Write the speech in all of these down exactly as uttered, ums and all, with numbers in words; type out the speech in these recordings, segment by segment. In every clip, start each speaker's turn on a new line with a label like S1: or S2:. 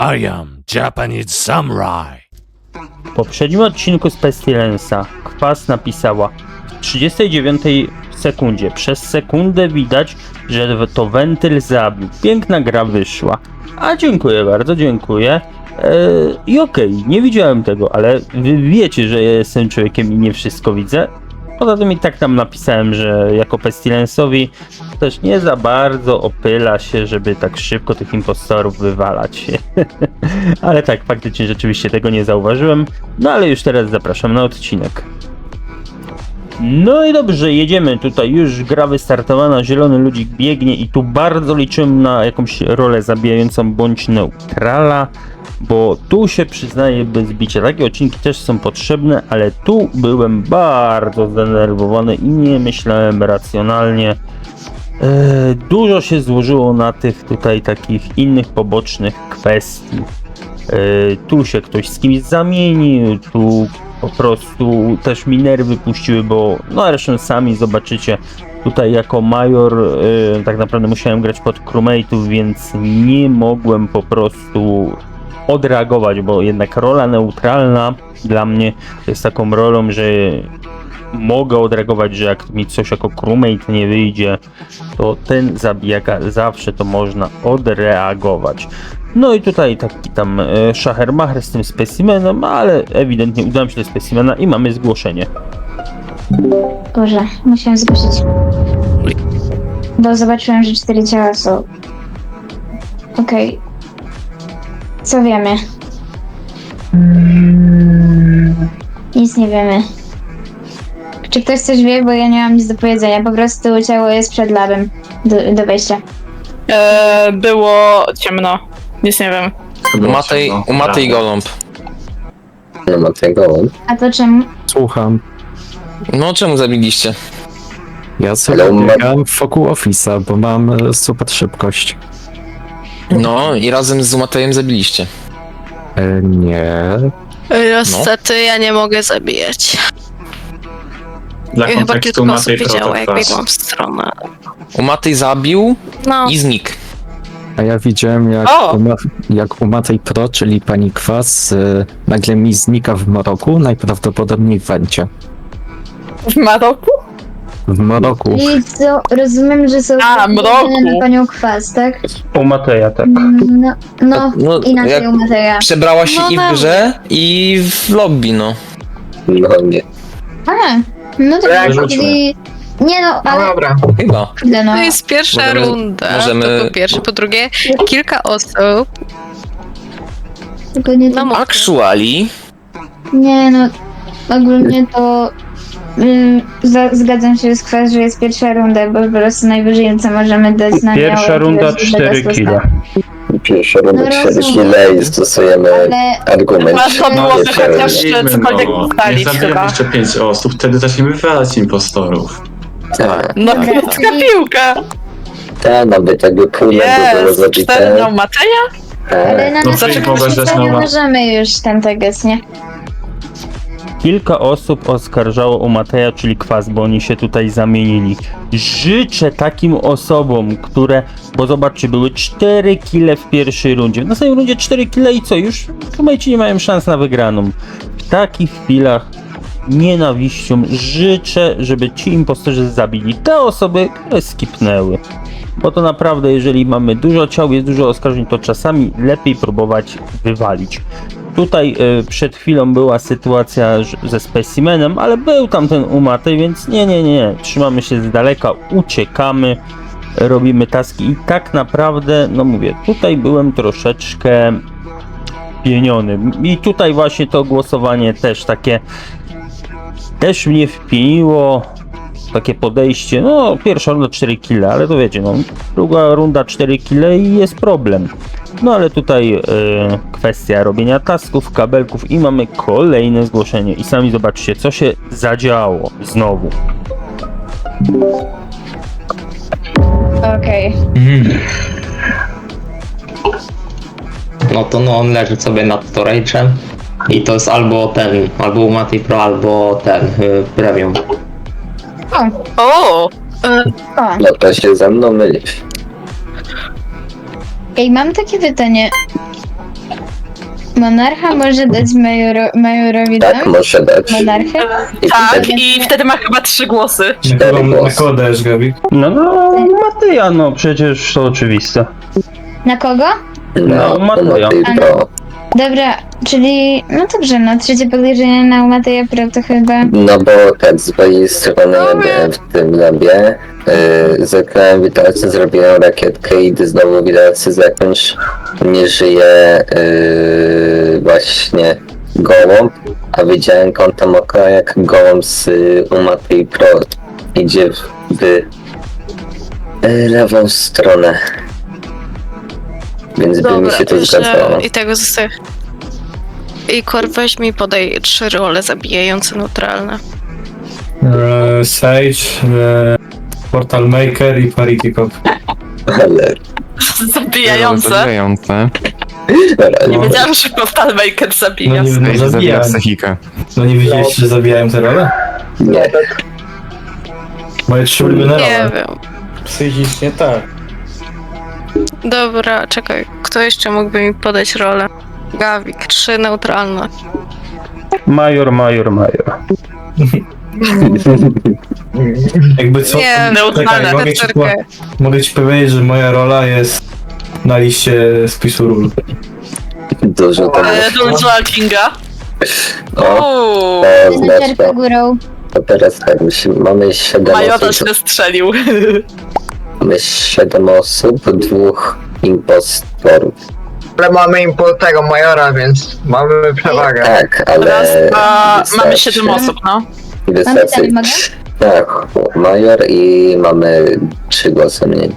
S1: I am Japanese Samurai.
S2: W poprzednim odcinku z Pestilensa Kwas napisała w trzydziestej dziewiątej sekundzie. Przez sekundę widać, że to wentyl zabił. Piękna gra wyszła. A dziękuję bardzo, dziękuję. Eee, I okej, okay, nie widziałem tego, ale wy wiecie, że ja jestem człowiekiem i nie wszystko widzę. Poza tym i tak tam napisałem, że jako Pestilensowi też nie za bardzo opyla się, żeby tak szybko tych impostorów wywalać. Ale tak, faktycznie rzeczywiście tego nie zauważyłem. No ale już teraz zapraszam na odcinek. No i dobrze, jedziemy. Tutaj już gra wystartowana, zielony ludzik biegnie i tu bardzo liczyłem na jakąś rolę zabijającą bądź neutrala, bo tu się przyznaję bez bicia. Takie odcinki też są potrzebne, ale tu byłem bardzo zdenerwowany i nie myślałem racjonalnie. Eee, dużo się złożyło na tych tutaj takich innych pobocznych kwestii. Eee, tu się ktoś z kimś zamienił, tu po prostu też mi nerwy puściły, bo no zresztą sami zobaczycie, tutaj jako major yy, tak naprawdę musiałem grać pod crewmate'ów, więc nie mogłem po prostu odreagować, bo jednak rola neutralna dla mnie jest taką rolą, że mogę odreagować, że jak mi coś jako crewmate nie wyjdzie, to ten zabijaka zawsze to można odreagować. No i tutaj taki tam e, szachermacher z tym specimenem, ale ewidentnie udałem się do specimena i mamy zgłoszenie.
S3: Boże, musiałem zgłosić. Bo zobaczyłem, że cztery ciała są. Okej. Okay. Co wiemy? Nic nie wiemy. Czy ktoś coś wie? Bo ja nie mam nic do powiedzenia. Po prostu ciało jest przed labem do, do wejścia.
S4: Eee, było ciemno. Nic nie wiem.
S5: U Matej, u Matej Goląb.
S6: Nie ma tego.
S3: A to czemu?
S7: Słucham.
S5: No czemu zabiliście?
S7: Ja sobie
S6: Ale ma-
S7: biegam wokół Office'a, bo mam e, super szybkość.
S5: No i razem z Matejem zabiliście.
S7: E, nie.
S8: Niestety ja nie mogę zabijać.
S9: Dla
S8: Ja chyba
S9: kontekstu
S8: kilka
S9: ma
S8: osób
S9: tej
S8: widziało, jak
S9: protoklas.
S8: biegłam w stronę.
S5: U Matej zabił
S8: No,
S5: i znikł.
S7: A ja widziałem jak,
S4: O!
S7: u, Ma- jak u Matej Pro, czyli pani Kwas, e, nagle mi znika w mroku, najprawdopodobniej w Wencie.
S4: W Maroku?
S7: W mroku.
S3: I co? Rozumiem, że są
S4: A, mroku.
S3: na panią Kwas, tak?
S2: U Mateja, tak.
S3: No, no,
S5: No,
S3: inaczej
S5: jak
S3: u Mateja.
S5: przebrała się
S8: No
S5: i w
S8: dobrze.
S5: grze, i w lobby, no.
S6: No nie.
S3: A, no to
S9: Ja
S3: czyli... Nie no, ale...
S9: dobra.
S5: Chyba.
S3: Kurde, no.
S8: to jest pierwsza
S5: Możemy-
S8: runda.
S5: możemy-
S8: To po pierwsze. Po drugie, kilka osób.
S3: Tylko nie
S8: No
S3: to...
S8: mów.
S5: Actually,
S3: Nie no, ogólnie to... Ym, za, zgadzam się z Kwas, że jest pierwsza runda, bo po prostu najwyżej co możemy dać na
S2: Pierwsza
S3: miałe,
S2: runda
S3: to jest
S2: cztery
S3: bez
S2: kile.
S6: Pierwsza runda
S3: No
S6: cztery
S3: rozumiem.
S6: kile i stosujemy
S3: Ale
S6: argument.
S4: Warto byłoby
S6: pierwszej
S4: chociaż
S6: rundy.
S4: cokolwiek
S9: No,
S4: ustalić
S9: nie zabijemy
S4: chyba.
S9: jeszcze pięć osób, wtedy zaczniemy wywalać impostorów.
S6: Tak,
S4: No
S3: Okej,
S4: krótka
S3: czyli-
S4: piłka.
S6: tak, nawet jakby pół było
S4: Jest, cztery
S6: zabite.
S4: miał Mateja?
S3: ale na
S9: No,
S3: następnym
S9: przecież mogę
S3: spotkaniu
S9: zaczynać.
S3: możemy już ten teges, nie?
S2: Kilka osób oskarżało u Mateja, czyli Kwas, bo oni się tutaj zamienili. Życzę takim osobom, które, bo zobaczcie, były cztery kile w pierwszej rundzie. W następnej rundzie cztery kile i co? Już crewmate'ci nie mają szans na wygraną. W takich chwilach nienawiścią życzę, żeby ci impostorzy zabili te osoby, które skipnęły. Bo to naprawdę, jeżeli mamy dużo ciał, jest dużo oskarżeń, to czasami lepiej próbować wywalić. Tutaj y, przed chwilą była sytuacja ż- ze specimenem, ale był tam ten umatej, więc nie, nie, nie, trzymamy się z daleka, uciekamy, robimy taski i tak naprawdę, no mówię, tutaj byłem troszeczkę pieniony i tutaj właśnie to głosowanie też takie, też mnie wpieniło, takie podejście, no pierwsza runda cztery kile, ale to wiecie, no druga runda cztery kile i jest problem. No ale tutaj e, kwestia robienia tasków, kabelków i mamy kolejne zgłoszenie i sami zobaczcie, co się zadziało znowu.
S3: Okej.
S10: No to no on leży sobie nad storage'em i to jest albo ten, albo Mati Pro, albo ten, y, Premium.
S4: O!
S3: O,
S6: No to się ze mną mylisz.
S3: ej, mam takie pytanie. Monarcha może dać majoro, majorowi
S6: Tak,
S3: dam?
S6: może dać.
S3: Monarchę?
S6: I
S4: Tak,
S6: wtedy
S4: i wtedy ma chyba trzy głosy.
S6: cztery
S7: Na
S6: głosy.
S7: kogo dajesz, Gawik?
S2: No, no, Mateja, no przecież to oczywiste.
S3: Na kogo?
S6: No,
S2: Mateja.
S6: Matej Pro.
S3: Dobra, czyli... No dobrze, no trzecie podejrzenie na Mateja Pro to chyba...
S6: No bo tak, z mojej strony ja byłem w tym labie. Yy, zagrałem witalce, zrobiłem rakietkę i gdy znowu witalce zakończ, nie żyje yy, właśnie gołąb, a widziałem kątem oka jak gołąb z yy, Matej Pro idzie w, w yy, lewą stronę. Więc by mi się to zgadzało.
S8: że i tego zostaje. I Kor, weź mi podaj trzy role zabijające neutralne.
S7: E, Sage, e, Portal Maker i Parity Cop.
S6: Ale...
S4: Zabijające.
S5: Zabijające.
S4: Nie wiedziałam, że Portal Maker
S7: No
S4: zabija.
S7: nie, no,
S5: Zabija
S7: zabijają.
S5: psychikę.
S7: No nie widzieliście, że zabijają te role?
S6: Nie.
S7: Moje trzy ulubione
S8: Nie
S7: role.
S8: wiem.
S7: Psychicznie tak.
S8: Dobra, czekaj. Kto jeszcze mógłby mi podać rolę? Gawik, trzy neutralne.
S2: Major, major, major.
S7: Jakby co?
S8: Nie,
S4: neutralne,
S7: Czekaj, mogę, ci, po,
S8: Czekaj.
S7: mogę ci powiedzieć, że moja rola jest na liście spisu ról.
S6: Dużo to
S4: E, Dungeon Kinga.
S6: O,
S4: Uuu,
S6: to
S3: Menedżerka
S6: oznacza,
S3: górą.
S6: to teraz tak, musimy, mamy siedem
S4: Majora
S6: osób,
S4: się strzelił.
S6: mamy siedem osób, dwóch impostorów.
S11: Ale mamy importego majora, więc mamy przewagę.
S6: Tak, ale
S4: Raz, dwa, mamy
S6: wystarczy-
S4: siedem osób, no.
S6: Wystarczy,
S3: dalej mogę?
S6: tak, major i mamy trzy głosy mniej.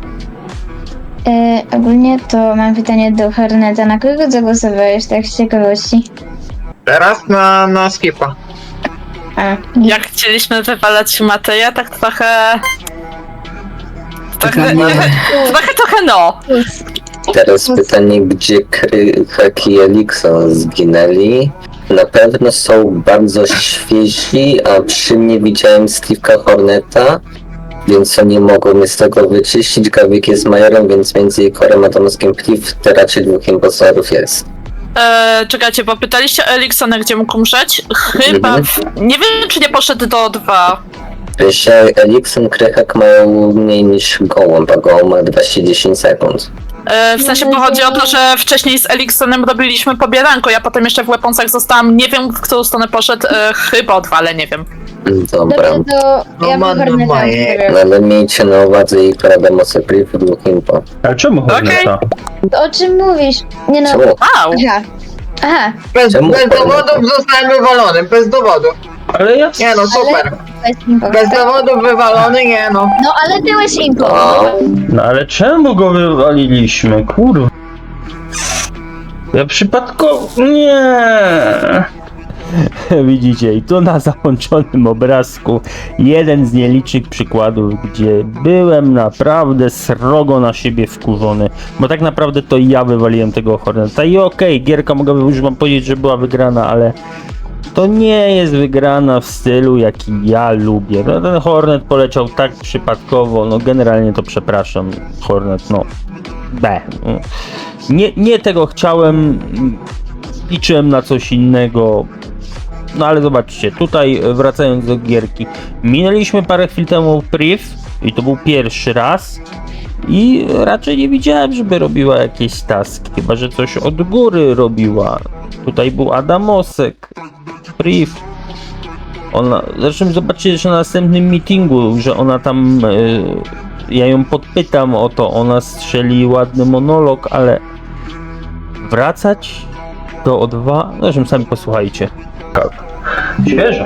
S3: E, ogólnie to mam pytanie do Horneta. Na kogo zagłosowałeś, tak z ciekawości?
S11: Teraz na, na skipa.
S3: A,
S4: Jak chcieliśmy wywalać Mateja, tak trochę... Trochę, trochę, trochę no.
S6: Teraz pytanie, gdzie Krychak i Elikson zginęli? Na pewno są bardzo świeżi, a przy mnie widziałem Steve'ka Horneta, więc oni mogą mnie z tego wyczyścić. Gawik jest majorem, więc między Ikorem a Tomskiem Priv to raczej dwóch impostorów jest.
S4: E, czekajcie, bo pytaliście o Eliksona, gdzie mógł umrzeć? Chyba... W, nie wiem, czy nie poszedł do dwa.
S6: Że Elikson, Krychak mają mniej niż Gołąb, a Gołąb ma dwieście dziesięć sekund.
S4: E, w sensie pochodzi o to, że wcześniej z Eliksonem robiliśmy pobieranko, ja potem jeszcze w Weaponsach zostałam, nie wiem, w którą stronę poszedł, e, chyba o dwa, ale nie wiem.
S6: Dobra.
S3: dobrze, to
S11: No
S3: ja bym
S11: ma- no
S3: Horneta
S11: ma-
S3: wybrał.
S6: No ale miejcie na uwadze Ikora, Demosy, Priv, dwóch impo.
S2: Ale czemu Horneta?
S3: O czym mówisz? Nie no...
S6: Czemu?
S4: Wow!
S3: Aha. Aha,
S11: Bez,
S6: Czemu
S11: bez
S6: Horneta?
S11: dowodów zostałem wywalony, bez dowodów.
S2: Ale ja...
S11: Nie no, super.
S3: bez impo.
S11: Bez dowodów wywalony, nie no.
S3: No ale byłeś impo.
S6: O,
S2: No ale czemu go wywaliliśmy? Kurwa. Ja przypadkowo... Nie. Widzicie, i tu na załączonym obrazku jeden z nielicznych przykładów, gdzie byłem naprawdę srogo na siebie wkurzony, bo tak naprawdę to ja wywaliłem tego Horneta i okej, okay, gierka mogłaby już wam powiedzieć, że była wygrana, ale to nie jest wygrana w stylu, jaki ja lubię. No, ten Hornet poleciał tak przypadkowo, no generalnie to przepraszam, Hornet, no B. Nie, nie tego chciałem, liczyłem na coś innego. No ale zobaczcie, tutaj wracając do gierki, minęliśmy parę chwil temu Priv i to był pierwszy raz i raczej nie widziałem, żeby robiła jakieś taski, chyba że coś od góry robiła. Tutaj był Adamosek, Priv. Ona, zresztą zobaczcie że na następnym meetingu, że ona tam, yy, ja ją podpytam o to, ona strzeli ładny monolog, ale wracać do O dwa, zresztą sami posłuchajcie. Świeże.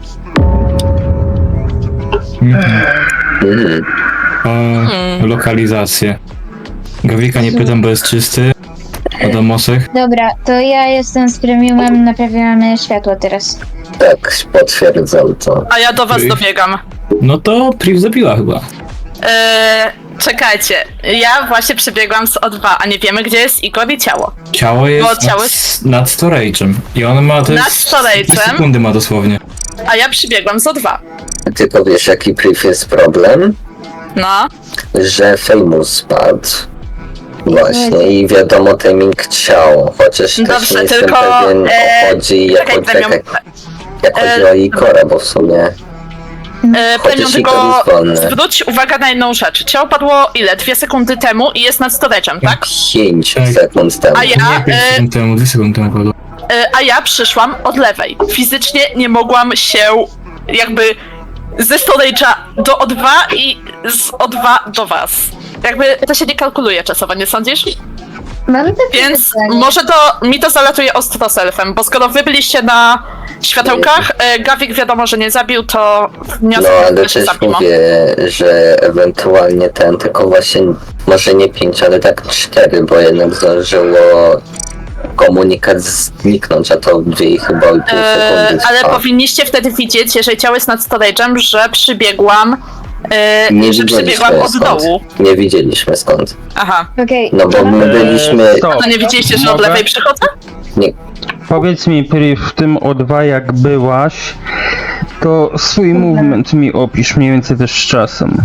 S6: mm.
S7: E, lokalizację. Gawika nie pytam, bo jest czysty. Adamosek.
S3: Dobra, to ja jestem z premiumem, naprawiamy światło teraz.
S6: Tak, potwierdzam to.
S4: A ja do was dobiegam.
S7: No to Priv zabiła chyba.
S4: E, czekajcie, ja właśnie przebiegłam z O dwa, a nie wiemy, gdzie jest Igor i ciało.
S7: Ciało jest
S4: Bo ciało
S7: nad, nad storage'em. I on ma to
S4: Nad
S7: jest...
S4: storage'em?
S7: sekundy ma dosłownie.
S4: A ja przybiegłam z O dwa.
S6: Tylko wiesz jaki Priv jest problem?
S4: No.
S6: Że Famous spadł. Właśnie i wiadomo timing ciał, chociaż też
S4: Dobrze,
S6: nie jestem
S4: tylko,
S6: pewien
S4: e,
S6: o chodzi jako
S4: czekaj, Premium.
S6: jak, jak chodzi
S4: E,
S6: o Ikora, bo w sumie
S4: E,
S6: Chociaż
S4: Premium,
S6: i
S4: tylko
S6: to jest wolne.
S4: zwróć uwagę na jedną rzecz. Ciało padło ile? Dwie sekundy temu i jest nad storage'em, tak?
S6: pięć sekund temu.
S4: A ja, e,
S7: temu, dwie sekundy temu padło.
S4: e, a ja przyszłam od lewej. Fizycznie nie mogłam się jakby ze storage'a do O dwa i z O dwa do was. Jakby to się nie kalkuluje czasowo, nie sądzisz?
S3: Mam takie
S4: Więc
S3: pytanie.
S4: może to mi to zalatuje ostro selfem, bo skoro wy byliście na światełkach, e, Gawik wiadomo, że nie zabił, to
S6: No
S4: wniosek
S6: ale
S4: że się
S6: też
S4: zabiło.
S6: mówię, że ewentualnie ten, tylko właśnie może nie pięć, ale tak cztery, bo jednak zdążyło komunikat zniknąć, a to dwie i chyba pół
S4: E,
S6: sekundy
S4: ale
S6: trwa.
S4: powinniście wtedy widzieć, jeżeli ciało jest nad storage'em, że przybiegłam, e,
S6: Nie
S4: że przybiegłam
S6: widzieliśmy
S4: od
S6: skąd.
S4: dołu.
S6: Nie widzieliśmy skąd.
S4: Aha.
S3: Okej,
S6: No bo my byliśmy...
S2: Eee, stop.
S4: To nie widzieliście, że od
S2: Mogę?
S4: lewej przychodzę?
S6: Nie,
S2: Powiedz mi, Priv, w tym O dwa jak byłaś, to swój movement mi opisz mniej więcej też z czasem.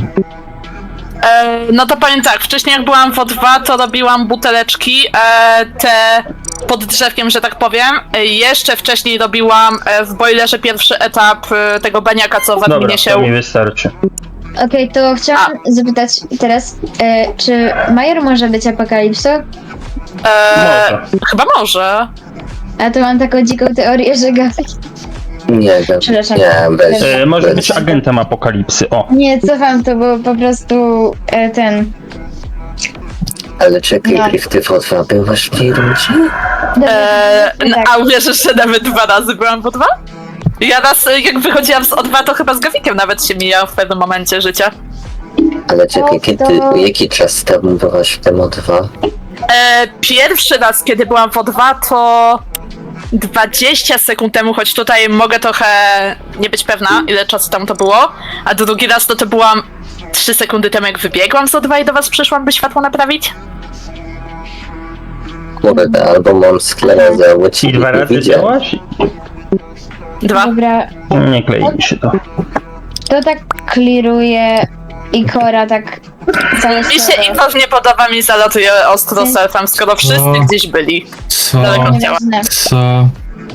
S4: E, no to powiem tak, wcześniej jak byłam w O dwa, to robiłam buteleczki, e, te pod drzewkiem, że tak powiem. E, jeszcze wcześniej robiłam e, w boilerze pierwszy etap e, tego baniaka, co w
S2: Dobra,
S4: adminie się...
S2: to mi wystarczy.
S3: okej, to chciałam zapytać teraz, e, czy Major może być apokalipsą?
S4: E,
S2: Może.
S4: chyba może.
S3: A to mam taką dziką teorię, że Gawik...
S6: nie wiem.
S3: Przepraszam.
S6: Nie, bez...
S2: E, może
S6: bez...
S2: być agentem apokalipsy, o.
S3: Nie, cofam to, bo po prostu e, ten...
S6: Ale czekaj,
S3: No.
S6: Priv, ty w O dwa byłaś w tej rundzie?
S3: Dobra,
S4: E,
S3: tak.
S4: a uwierzysz, że nawet dwa razy byłam w O dwa? Ja raz, e, jak wychodziłam z O dwa, to chyba z Gawikiem nawet się mijał w pewnym momencie życia.
S6: Ale czekaj,
S3: O,
S6: kiedy,
S3: to-
S6: jaki czas temu byłaś w tym O dwa?
S4: E, pierwszy raz, kiedy byłam w O dwa, to dwadzieścia sekund temu, choć tutaj mogę trochę nie być pewna, ile czasu temu to było. A drugi raz to to byłam trzy sekundy temu, jak wybiegłam z O dwa i do was przyszłam, by światło naprawić.
S6: Kurde, albo mam sklerozę, bo
S2: I
S6: ci
S2: dwa
S6: nie
S2: razy
S6: widziałem.
S2: działaś?
S4: Dwa.
S3: Dobra,
S2: Nie klei mi się to.
S3: to tak kliruje Ikora tak całe
S4: Mi się
S3: słowo.
S4: i was nie podoba, mi zalatuje ostro selfem, skoro wszyscy gdzieś byli.
S7: Co?
S4: Daleko od ciała.
S3: Nieważne.
S7: Co?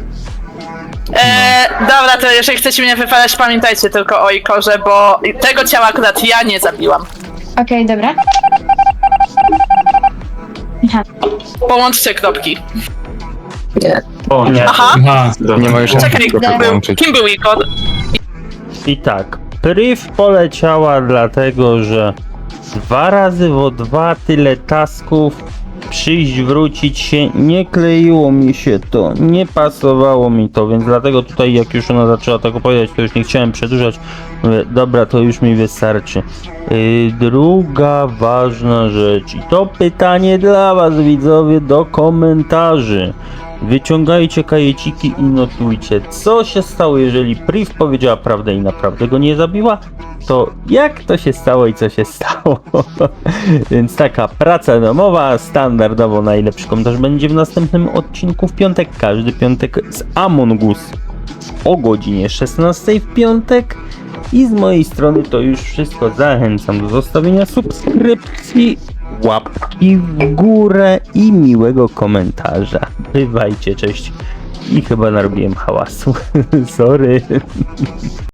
S4: E, dobra, to jeżeli chcecie mnie wypalać, pamiętajcie tylko o Ikorze, bo tego ciała akurat ja nie zabiłam.
S3: Okej, dobra. Aha.
S4: Połączcie kropki.
S6: Nie.
S9: O,
S2: Nie.
S4: Aha,
S7: Aha,
S9: nie ma już
S4: czekaj, kim był, kim był Ikor?
S2: I tak, Priv poleciała dlatego, że dwa razy w O dwa tyle tasków, przyjść, wrócić się, nie kleiło mi się to, nie pasowało mi to, więc dlatego tutaj jak już ona zaczęła tak opowiadać, to już nie chciałem przedłużać. Mówię, dobra, to już mi wystarczy. Yy, druga ważna rzecz i to pytanie dla was, widzowie, do komentarzy. Wyciągajcie kajeciki i notujcie, co się stało, jeżeli Priv powiedziała prawdę i naprawdę go nie zabiła, to jak to się stało i co się stało. Więc taka praca domowa, standardowo najlepszy komentarz będzie w następnym odcinku w piątek, każdy piątek z Among Us o godzinie szesnastej w piątek. I z mojej strony to już wszystko. Zachęcam do zostawienia subskrypcji, łapki w górę i miłego komentarza. Bywajcie, cześć. I chyba narobiłem hałasu. Sorry.